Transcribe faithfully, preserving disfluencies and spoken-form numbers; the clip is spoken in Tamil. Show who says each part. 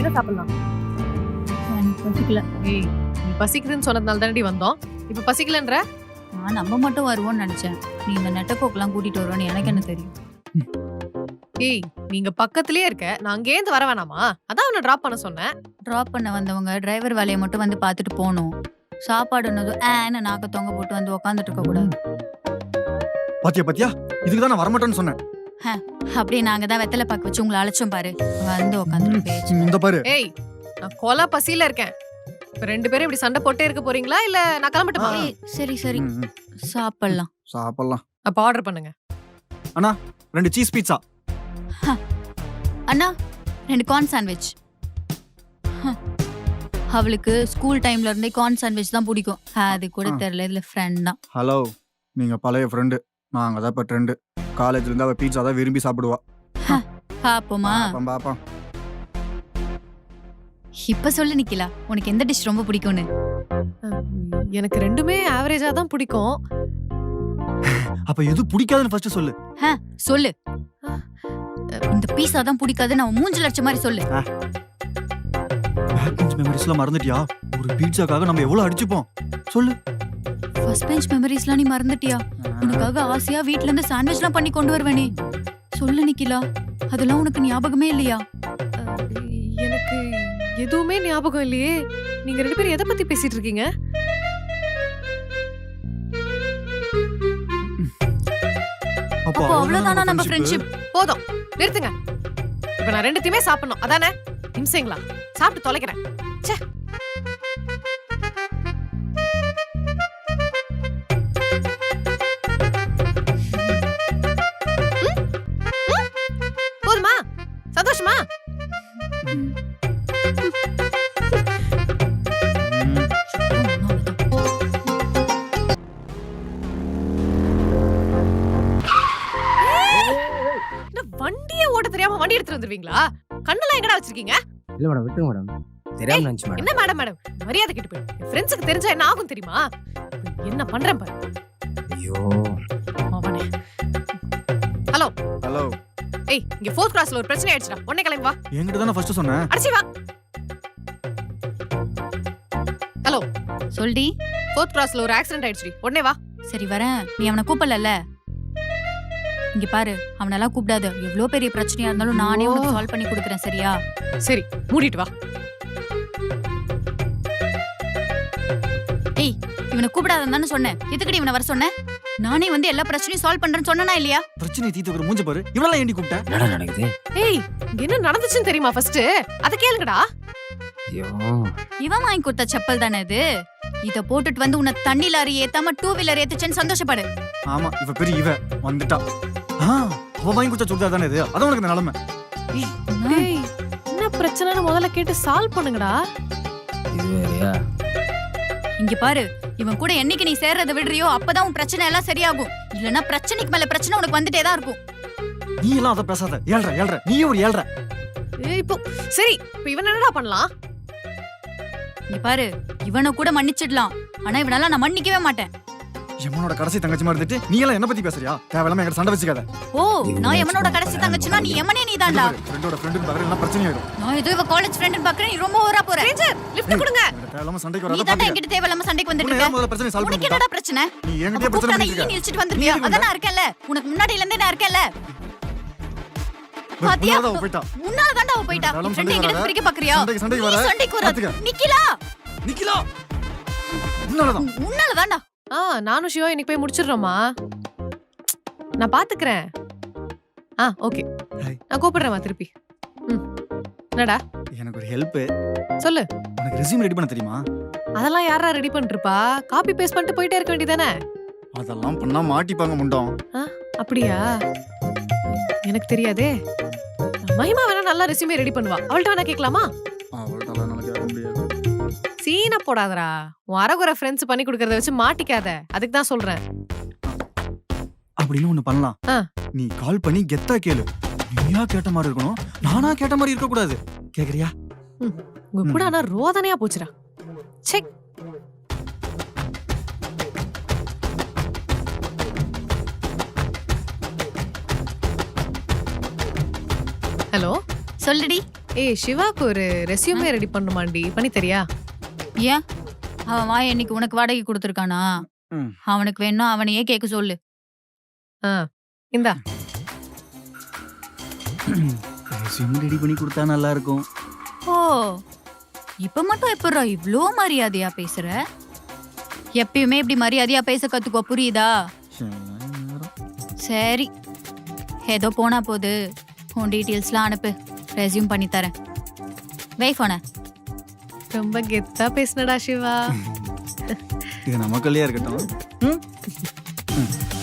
Speaker 1: என்ன சாப்பிடலாம்?
Speaker 2: எனக்கு பசிக்கல.
Speaker 1: ஏய், நீ பசிக்குதுன்னு சொன்னதுனால தானடி வந்தோம். இப்ப பசிக்கலன்ற?
Speaker 2: நான் நம்ம மட்டும் வருவோம்னு நினைச்சேன். நீ இந்த நெட்டப்போக்கெல்லாம் கூட்டிட்டு வருவோன்னு எனக்கு என்ன தெரியும்?
Speaker 1: ஏய், நீங்க பக்கத்துலயே இருக்க. நான் அங்கே இருந்து வர வேணாமா? அதான் அவனை டிராப் பண்ண சொன்னேன்.
Speaker 2: டிராப் பண்ண வந்தவங்க டிரைவர் வேலையை மட்டும் வந்து பார்த்துட்டு போகணும். சாப்பாடுனதும் ஏன்னு நாக்க தொங்க போட்டு வந்து உக்காந்துட்டு இருக்க கூடாது.
Speaker 3: பாத்தியா பாத்தியா இதுக்கு தான் நான் வரமாட்டேன்னு சொன்னேன்.
Speaker 2: அப்படியே நாங்க தான் வெத்தலை பாக்கு வச்சு உங்களை அழைச்சோம் பாரு. வந்து உக்காந்துட்டு பேச்சு.
Speaker 3: இந்த பாரு
Speaker 1: ஏய், நான் கொலை பசியில இருக்கேன். இப்ப ரெண்டு பேரும் இப்படி சண்டை போட்டே இருக்க போறீங்களா இல்ல நான் கிளம்பட்டுமா?
Speaker 2: ஏய், சரி சரி
Speaker 3: ம், ம்.
Speaker 2: சாப்பிடலாம்.
Speaker 3: சாப்பிடலாம்.
Speaker 1: அப்ப ஆர்டர் பண்ணுங்க.
Speaker 3: அண்ணா ரெண்டு சீஸ் பீட்சா.
Speaker 2: அண்ணா ரெண்டு கார்ன் சாண்ட்விச். அவளுக்கு ஸ்கூல் டைம்ல இருந்தே கார்ன் சாண்ட்விச் தான் பிடிக்கும். அது கூட
Speaker 3: ஆ.
Speaker 2: தெரியல, இதுல ஃப்ரெண்ட் தான்.
Speaker 3: ஹலோ, நீங்க பழைய ஃப்ரெண்டு, நாங்க தான் இப்ப ட்ரெண்டு. காலேஜ்ல இருந்து அவ பீட்சா தான் விரும்பி சாப்பிடுவா.
Speaker 2: பாப்போமா?
Speaker 3: பாப்போம் பாப்போம்.
Speaker 2: இப்ப சொல்லு நிக்கிலா, உனக்கு எந்த டிஷ் ரொம்ப பிடிக்கும்னு?
Speaker 1: எனக்கு ரெண்டுமே ஆவரேஜா தான் பிடிக்கும்.
Speaker 3: அப்ப எது பிடிக்காதுன்னு ஃபர்ஸ்ட் சொல்லு.
Speaker 2: சொல்லு. இந்த பீஸா தான் பிடிக்காது, நான் மூஞ்சில அடிச்ச மாதிரி சொல்லு.
Speaker 3: பேக் பெஞ்ச் மெமரிஸ்லாம் மறந்துட்டியா? ஒரு பீட்சாக்காக நம்ம எவ்வளவு அடிச்சுப்போம் சொல்லு.
Speaker 2: ஃபர்ஸ்ட் பெஞ்ச் மெமரிஸ்லாம் நீ மறந்துட்டியா? உனக்காக ஆசையா வீட்ல இருந்து சாண்ட்விச்லாம் பண்ணி கொண்டு வருவேனே. சொல்லு நிக்கிலா, அதெல்லாம் உனக்கு ஞாபகமே இல்லையா?
Speaker 1: அஹ், எனக்கு எதுவுமே ஞாபகம் இல்லையே. நீங்க ரெண்டு பேரும் எதை பத்தி பேசிட்டு இருக்கீங்க?
Speaker 3: அப்போ
Speaker 2: அப்போ அவ்வளவுதானா நம்ம ஃப்ரெண்ட்ஷிப்?
Speaker 1: போதும், நிறுத்துங்க. இப்ப நான் ரெண்டுத்தையுமே சாப்பிடணும் அதானே? நிமிஷங்களா, சாப்பிட்டு தொலைக்கிறேன். ச்சே. ம்? ம்? போதுமா? சந்தோஷமா? என்ன வண்டியே ஓட்ட தெரியாம வண்டி எடுத்துட்டு வந்துருவீங்களா? கண்ணெல்லாம் எங்கடா வச்சிருக்கீங்க?
Speaker 4: இல்ல மேடம், விட்டுருங்க மேடம். தெரியாம நினைச்சு மேடம்.
Speaker 1: என்ன மேடம் மேடம் மரியாதை கெட்டு போயிடும். என் ஃப்ரெண்ட்ஸுக்கு தெரிஞ்சா என்ன ஆகும் தெரியுமா? என்ன பண்றேன் பாரு.
Speaker 4: ஐயோ,
Speaker 1: அவனே. ஹலோ
Speaker 3: ஹலோ,
Speaker 1: ஏய், இங்க ஃபோர்த் கிளாஸ்ல ஒரு பிரச்சனை ஆயிடுச்சுடா. உடனே கிளம்பி வா.
Speaker 3: என்கிட்ட தானே ஃபர்ஸ்ட் சொன்னேன்.
Speaker 1: அடிச்சி வா. ஹலோ,
Speaker 2: சொல்டி.
Speaker 1: ஃபோர்த் கிளாஸ்ல ஒரு ஆக்சிடென்ட் ஆயிடுச்சுடி. உடனே வா.
Speaker 2: சரி வரேன். நீ அவனை கூப்பிடல. இங்க பாரு, அவனெல்லாம் கூப்பிடாத. எவ்வளவு பெரிய பிரச்சனையா இருந்தாலும் நானே உனக்கு சால்வ் பண்ணி கொடுக்குறேன், சரியா?
Speaker 1: சரி, மூடிட்டு வா.
Speaker 2: ஏய், இவனை கூப்பிடாதன்னு சொன்னேன். எதுக்குடி இவனை வர சொன்னேன்? நானே வந்து எல்லா பிரச்சனையும் சால்வ் பண்றேன்னு சொன்னனா இல்லையா?
Speaker 3: பிரச்சனை தீத்துக்கிற மூஞ்ச பாரு. இவளெல்லாம் ஏண்டி கூப்பிட்ட?
Speaker 4: என்னடா நடக்குது?
Speaker 1: ஏய், இங்க என்ன நடந்துச்சுன்னு தெரியுமா ஃபர்ஸ்ட்? அத கேளுங்கடா.
Speaker 4: ஐயோ,
Speaker 2: இவன் வாங்கி கொடுத்த செப்பல் தானே இது. இத போட்டுட்டு வந்து உன்னை தண்ணி லாரி ஏத்தாம டூ வீலர் ஏத்துச்சேன்னு சந்தோஷப்படு.
Speaker 3: ஆமா, இவ பெரிய இவ வந்துட்டா. ஆ, அவ வாங்கி கொடுத்த சுடிதார் தானே இது. அதான் உனக்கு இந்த நிலைமை.
Speaker 1: ஏய், என்ன பிரச்சனைன்னு முதல்ல கேட்டு சால்வ் பண்ணுங்கடா.
Speaker 4: இது வேறயா?
Speaker 2: இங்க பாரு, இவன் கூட என்னைக்கு நீ சேர்றத விடுறியோ அப்பதான் உன் பிரச்சனை எல்லாம் சரியாகும். இல்லன்னா பிரச்சனைக்கு மேல பிரச்சனை உனக்கு வந்துட்டே தான் இருக்கும்.
Speaker 3: நீ எல்லாம் அத பேசாத. ஏழ்ற ஏழ்ற நீயே ஒரு ஏழ்ற.
Speaker 1: ஏய், இப்போ சரி, இப்போ இவன் என்னடா பண்ணலாம்?
Speaker 2: இங்க பாரு, இவனை கூட மன்னிச்சிடலாம். ஆனா இவனால நான் மன்னிக்கவே மாட்டேன்.
Speaker 3: எம்மனோட கடைசி தங்கச்சி மாதிரி இருந்துட்டு நீ எல்லாம் என்ன பத்தி பேசுறியா? தேவையில்லாம என்கிட்ட சண்டை வச்சுக்காத.
Speaker 2: ஓ, நான் எவனோட கடைசி தங்கச்சினா நீ எமனே நீதான்டா.
Speaker 3: ஃப்ரெண்டோட ஃப்ரெண்டுக்கு பக்கத்துல எல்லாம் பிரச்சனை ஆயிடும்.
Speaker 2: நான் ஏதோ இவ காலேஜ் ஃப்ரெண்ட் பாக்குறேன். நீ ரொம்ப ஓவரா போற.
Speaker 1: ரேஞ்சர், லிஃப்ட் கொடுங்க.
Speaker 3: என்கிட்ட தேவையில்லாம சண்டைக்கு
Speaker 2: நீ
Speaker 3: வராத
Speaker 2: தான்
Speaker 3: பாத்துக்க.
Speaker 2: என்கிட்ட தேவையில்லாம சண்டைக்கு வந்துட்டு
Speaker 3: உன்னை
Speaker 2: இருக்க.
Speaker 3: ஏன் முதல்ல பிரச்சனை சால்வ்
Speaker 2: உனக்கு
Speaker 3: பண்ணிட்டா?
Speaker 2: என்னடா பிரச்சனை?
Speaker 3: நீ என்கிட்டயே பிரச்சனை
Speaker 2: கூப்பிட்டா
Speaker 3: பண்ணிட்டு
Speaker 2: நீ
Speaker 3: இருக்க.
Speaker 2: இழுச்சிட்டு வந்திருக்கியா?
Speaker 3: நீ
Speaker 2: அதான் நான் இருக்கேன்ல. உனக்கு முன்னாடில இருந்தே நான் இருக்கேன்ல. பாத்தியா?
Speaker 3: முன்னால அவ போயிட்டா.
Speaker 2: முன்னால தான்டா அவ போயிட்டா.
Speaker 3: தேவையில்லாம
Speaker 2: ஃப்ரெண்ட்
Speaker 3: சண்டைக்கு
Speaker 2: என்கிட்ட
Speaker 3: வராத.
Speaker 2: பிரிக்க பாக்குறியா?
Speaker 3: சண்டைக்கு சண்டைக்கு
Speaker 2: நீ
Speaker 3: வர.
Speaker 2: சண்டைக்கு வர.
Speaker 3: பாத்துக்க.
Speaker 2: நிக்கிலா,
Speaker 3: நிக்கிலா. உன்னாலதான்.
Speaker 2: உன்னால தான்டா.
Speaker 1: ஆ, நானும் ஷிவா இன்னைக்கு போய் முடிச்சிடுறோமா? நான் பாத்துக்கிறேன். ஆ, ஓகே.
Speaker 3: ஹாய்.
Speaker 1: நான் கூப்பிடுறேன் திருப்பி. ம். என்னடா
Speaker 3: எனக்கு ஒரு ஹெல்ப்.
Speaker 1: சொல்லு.
Speaker 3: உனக்கு ரெஸ்யூம் ரெடி பண்ண தெரியுமா?
Speaker 1: அதெல்லாம் யாரா ரெடி பண்ணிருப்பா? காப்பி பேஸ்ட் பண்ணிட்டு போயிட்டே இருக்க வேண்டியதானே?
Speaker 3: அதெல்லாம் பண்ணா மாட்டிப்பாங்க முண்டம்.
Speaker 1: அப்படியா? எனக்கு தெரியாதே. மகிமா வேணா நல்லா ரெஸ்யூமே ரெடி பண்ணுவா. அவள்கிட்ட வேணா கேட்கலாமா?
Speaker 3: அவள்கிட்ட எல்லாம் கேட்க முடியாது.
Speaker 1: சீனா போடாதடா. உன் அரகுற ஃப்ரெண்ட்ஸ் பண்ணி கொடுக்கறத வச்சு மாட்டிக்காத. அதுக்கு தான் சொல்றேன்.
Speaker 3: அப்படின்னு ஒண்ணு பண்ணலாம்.
Speaker 1: ஆ.
Speaker 3: நீ கால் பண்ணி கெத்தா கேளு. நீயா கேட்ட மாதிரி இருக்கணும், நானா கேட்ட மாதிரி இருக்க கூடாது. கேக்குறியா?
Speaker 1: உங்க கூட ஆனா ரோதனையா போச்சுடா. செக். ஹலோ,
Speaker 2: சொல்லுடி.
Speaker 1: ஏய் சிவாக்கு ஒரு ரெஸ்யூமே ரெடி பண்ணுமாண்டி பண்ணி தெரியா?
Speaker 2: ஏன் அவன் வாய் இன்னைக்கு உனக்கு வாடகை கொடுத்துருக்கானா?
Speaker 3: ம்.
Speaker 2: அவனுக்கு வேணும் அவனையே கேட்க சொல்லு.
Speaker 1: ஆ இந்தா.
Speaker 3: ரெஸ்யூம் ரெடி பண்ணி கொடுத்தா நல்லா இருக்கும்.
Speaker 2: ஓ இப்ப மட்டும் எப்படா இவ்ளோ மரியாதையா பேசுற? எப்பயுமே இப்படி மரியாதையா பேச கத்துக்கோ, புரியுதா? சரி ஏதோ போனா போது உன் டீட்டெயில்ஸ்லாம் அனுப்பு, ரெஸ்யூம் பண்ணி தரேன். வை போன.
Speaker 1: ரொம்ப கெத்தா பேசுனடா சிவா.
Speaker 3: இது நமக்குள்ளேயே இருக்கட்டும். ம்